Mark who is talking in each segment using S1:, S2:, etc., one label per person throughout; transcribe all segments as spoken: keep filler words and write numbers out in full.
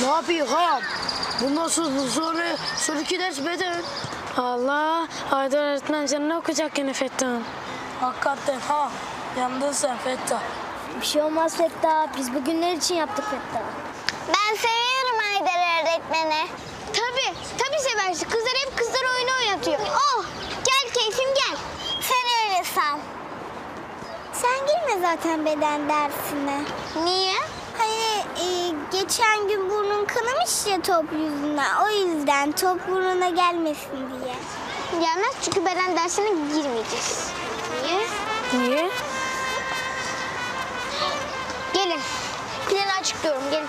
S1: Ne yapayım ha? Bundan sonra, sonra sonraki ders beden.
S2: Allah, Haydar öğretmen canını okuyacak yine Fettah'ın.
S1: Hakikaten ha. Yandın sen Fettah.
S3: Bir şey olmaz Fettah. Biz bugünler için yaptık Fettah.
S4: Ben seviyorum Haydar öğretmeni.
S3: Tabii, tabii seversin. Kızlar hep kızlar oyunu oynatıyor. Oh, gel keyfim gel.
S4: Sen öyle san.
S3: Sen girme zaten beden dersine.
S4: Niye?
S3: Hani e, geçen gün burnun kanamış ya top yüzünden. O yüzden top burnuna gelmesin diye.
S4: Gelmez çünkü beden dersine girmeyeceğiz. Niye?
S2: Niye?
S4: Gelin. Planı açıklıyorum, gelin.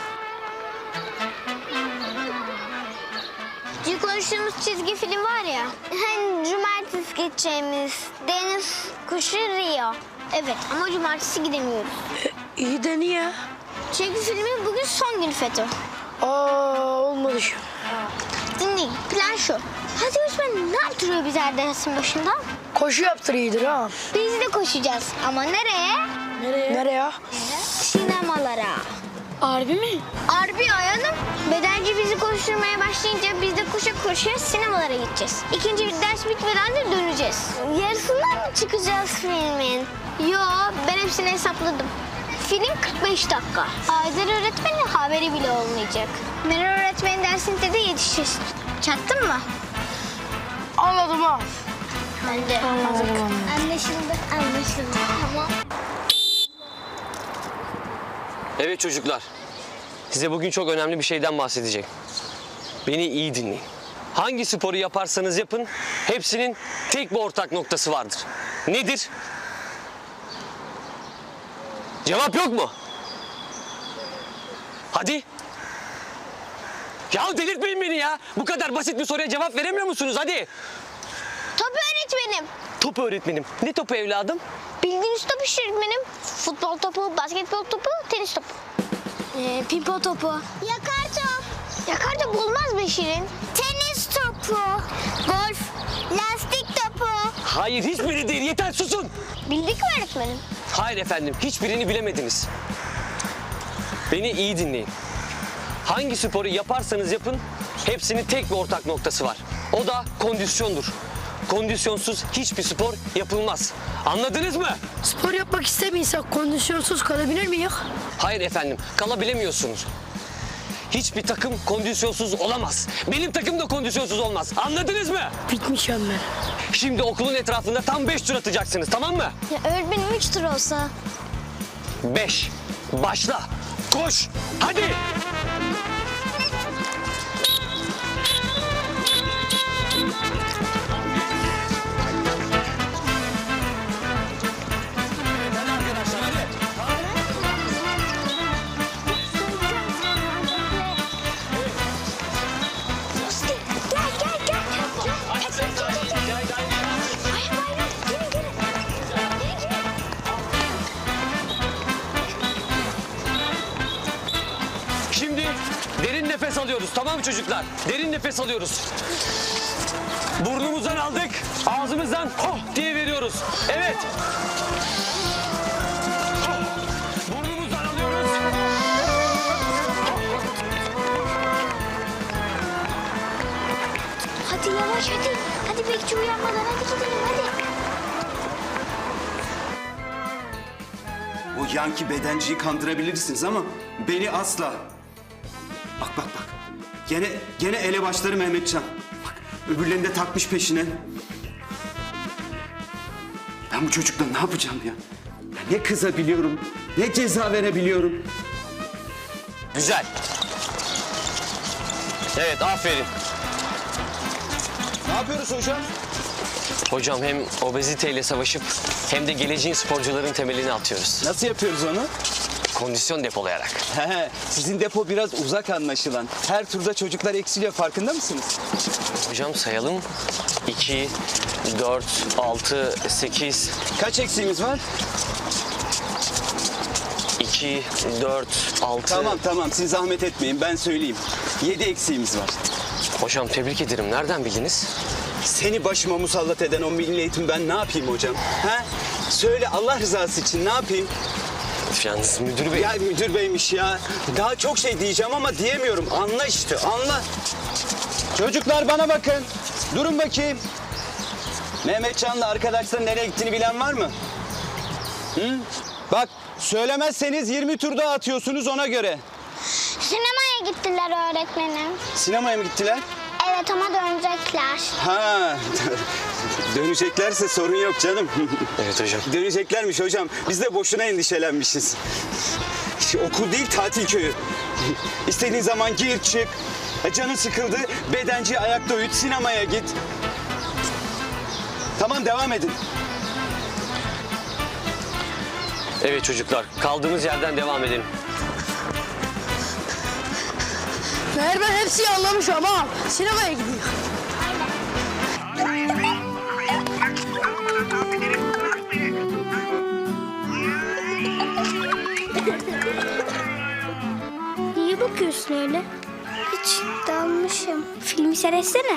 S4: Dün konuştuğumuz çizgi film var ya. Hani cumartesi geçeceğimiz Deniz Kuşu Rio. Evet ama cumartesi gidemiyoruz.
S1: İyi de niye?
S4: Çünkü filmin bugün son günü FETÖ.
S1: Aa olmadı şu.
S4: Dinleyin, plan şu. Hadi Osman ne yaptırıyor bizi her dersin başında?
S1: Koşu yaptır iyidir ha.
S4: Biz de koşacağız ama nereye?
S1: Nereye? Nereye?
S4: Sinemalara.
S2: Harbi mi?
S4: Harbi Ayhan'ım. Bedenci bizi koşturmaya başlayınca biz de koşa koşa sinemalara gideceğiz. İkinci bir ders bitmeden de döneceğiz. Yarısından mı çıkacağız filmin? Yo, ben hepsini hesapladım. Film kırk beş dakika. Haydar öğretmenin haberi bile olmayacak. Meral öğretmenin dersinde de yetişeceğiz. Çaktın mı?
S1: Anladım ha.
S4: Ben de. Anlaşıldı, anlaşıldı. Tamam.
S5: Evet çocuklar, size bugün çok önemli bir şeyden bahsedeceğim. Beni iyi dinleyin. Hangi sporu yaparsanız yapın, hepsinin tek bir ortak noktası vardır. Nedir? Cevap yok mu? Hadi. Ya delirtmeyin beni ya. Bu kadar basit bir soruya cevap veremiyor musunuz? Hadi.
S4: Top öğretmenim.
S5: Top öğretmenim. Ne topu evladım?
S4: Bildiğiniz top işte öğretmenim. Futbol topu, basketbol topu, tenis topu.
S3: Ee, pipo topu.
S4: Yakar top. Yakar top olmaz be Şirin.
S3: Tenis topu. Golf. Lastik topu.
S5: Hayır, hiçbiri değil. Yeter, susun.
S4: Bildik mi öğretmenim?
S5: Hayır efendim, hiçbirini bilemediniz. Beni iyi dinleyin. Hangi sporu yaparsanız yapın, hepsinin tek bir ortak noktası var. O da kondisyondur. Kondisyonsuz hiçbir spor yapılmaz. Anladınız mı?
S1: Spor yapmak istemiyorsak kondisyonsuz kalabilir miyiz?
S5: Hayır efendim, kalabilemiyorsunuz. Hiçbir takım kondisyonsuz olamaz. Benim takım da kondisyonsuz olmaz. Anladınız mı?
S1: Bitmişim ben.
S5: Şimdi okulun etrafında tam beş tur atacaksınız, tamam mı?
S4: Ya öğretmenim üç tur olsa.
S5: Beş. Başla. Koş. Hadi. Şimdi derin nefes alıyoruz, tamam mı çocuklar? Derin nefes alıyoruz. Burnumuzdan aldık, ağzımızdan oh diye veriyoruz. Evet. Oh. Burnumuzdan alıyoruz.
S4: Hadi yavaş hadi. Hadi bekçi uyanmadan hadi gidelim hadi.
S6: O yanki bedenciyi kandırabilirsiniz ama beni asla. Bak bak bak. Gene gene elebaşları Mehmetcan. Bak öbürlerini de takmış peşine. Ben bu çocukla ne yapacağım ya? Ya ne kızabiliyorum, ne ceza verebiliyorum.
S5: Güzel. Evet, aferin.
S7: Ne yapıyoruz hocam?
S5: Hocam hem obeziteyle savaşıp hem de geleceğin sporcuların temelini atıyoruz.
S7: Nasıl yapıyoruz onu?
S5: Kondisyon depolayarak.
S7: He, sizin depo biraz uzak anlaşılan. Her turda çocuklar eksiliyor, farkında mısınız?
S5: Hocam sayalım. iki, dört, altı, sekiz,
S7: Kaç eksiğimiz var?
S5: iki, dört, altı.
S7: Tamam tamam, siz zahmet etmeyin, ben söyleyeyim. Yedi eksiğimiz var.
S5: Hocam tebrik ederim. Nereden bildiniz?
S7: Seni başıma musallat eden o milli eğitim ben ne yapayım hocam? He? Söyle Allah rızası için ne yapayım?
S5: Yalnız müdür bey.
S7: Ya müdür beymiş ya. Daha çok şey diyeceğim ama diyemiyorum. Anla işte, anla. Çocuklar bana bakın. Durun bakayım. Mehmetcan'la arkadaşların nereye gittiğini bilen var mı? Hı? Bak söylemezseniz yirmi tur daha atıyorsunuz ona göre.
S4: Sinemaya gittiler öğretmenim.
S7: Sinemaya mı gittiler?
S4: Evet ama dönecekler.
S7: Ha, döneceklerse sorun yok canım.
S5: Evet hocam.
S7: Döneceklermiş hocam. Biz de boşuna endişelenmişiz. Okul değil, tatil köyü. İstediğin zaman gir çık. E, Canın sıkıldı, bedenci ayakta uyut, sinemaya git. Tamam, devam edin.
S5: Evet çocuklar, kaldığımız yerden devam edelim.
S1: Meğer ben hepsini anlamışım ama sinemaya gidiyor.
S4: Niye bakıyorsun öyle? Hiç dalmışım. Filmi seyretsene.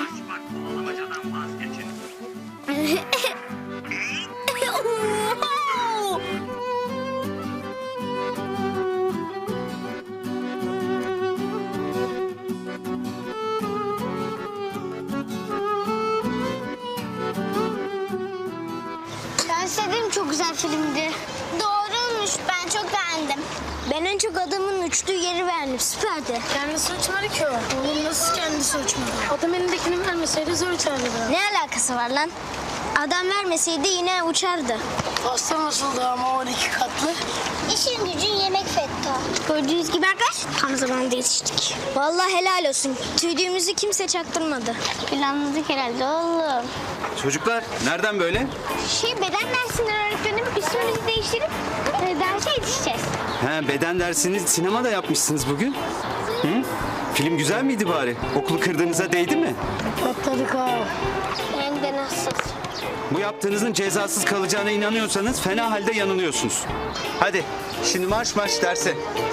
S4: Ben sevdim, çok güzel filmdi.
S3: Doğruymuş. Ben çok beğendim.
S4: Ben en çok adamın uçtuğu yeri beğendim. Süperdi.
S2: Kendisi uçmadı ki o. Oğlum nasıl kendisi uçmadı? Adam elindekini vermeseydi zor uçardı da.
S4: Ne alakası var lan? Adam vermeseydi yine uçardı.
S1: Pasta nasıldı ama on iki katlı?
S3: İşin gücün yemek Fetto.
S4: Gördüğünüz gibi arkadaş tam zamanında yetiştik. Vallahi helal olsun. Tüydüğümüzü kimse çaktırmadı. Planladık herhalde oğlum.
S6: Çocuklar nereden böyle?
S4: Şey beden dersinden öğretmenim üstümüzü değiştirip e, derse yetişeceğiz.
S6: He, beden dersini sinemada yapmışsınız bugün. Hı? Film güzel miydi bari? Okulu kırdığınıza değdi mi?
S1: Patladık ha.
S4: Hem de nasıl?
S6: Bu yaptığınızın cezasız kalacağına inanıyorsanız fena halde yanılıyorsunuz.
S7: Hadi, şimdi marş marş derse.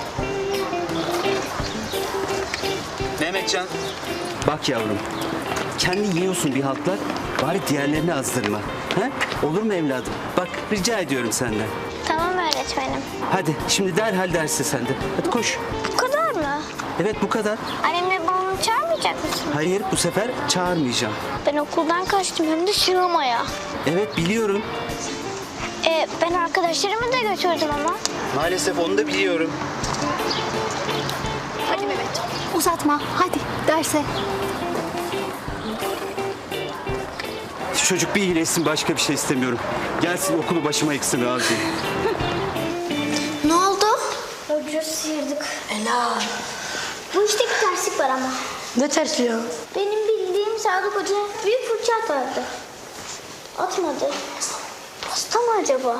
S7: Mehmetcan,
S6: Bak yavrum, kendi yiyorsun bir haltlar, bari diğerlerini azdırma. He? Olur mu evladım? Bak rica ediyorum senden.
S4: Tamam öğretmenim.
S6: Hadi şimdi derhal derse sen de. Hadi koş.
S4: Bu kadar mı?
S6: Evet bu kadar.
S4: Annemle babamı çağırmayacak mısın?
S6: Hayır bu sefer çağırmayacağım.
S4: Ben okuldan kaçtım hem de sinemaya.
S6: Evet biliyorum.
S4: E, ben arkadaşlarımı da götürdüm ama.
S7: maalesef onu da biliyorum.
S4: Hadi Mehmet. Uzatma. Hadi derse.
S6: Çocuk bir iyileşsin başka bir şey istemiyorum. Gelsin okulu başıma yıksın razıyım.
S4: Ne oldu? Öbürü sıyırdık.
S1: Helal.
S4: Bu işte bir terslik var ama.
S1: Ne tersi ya?
S4: Benim bildiğim Sadık Hoca büyük fırça atardı. Atmadı. Hasta mı acaba?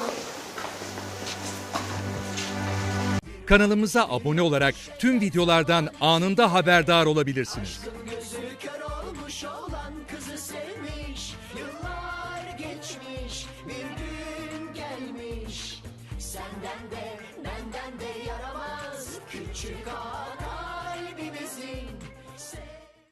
S8: Kanalımıza abone olarak tüm videolardan anında haberdar olabilirsiniz.
S9: Gözü kör olmuş olan kızı sevmiş. Yıllar geçmiş, bir gün gelmiş. Senden de benden de yaramaz küçük ağa kalbimizin.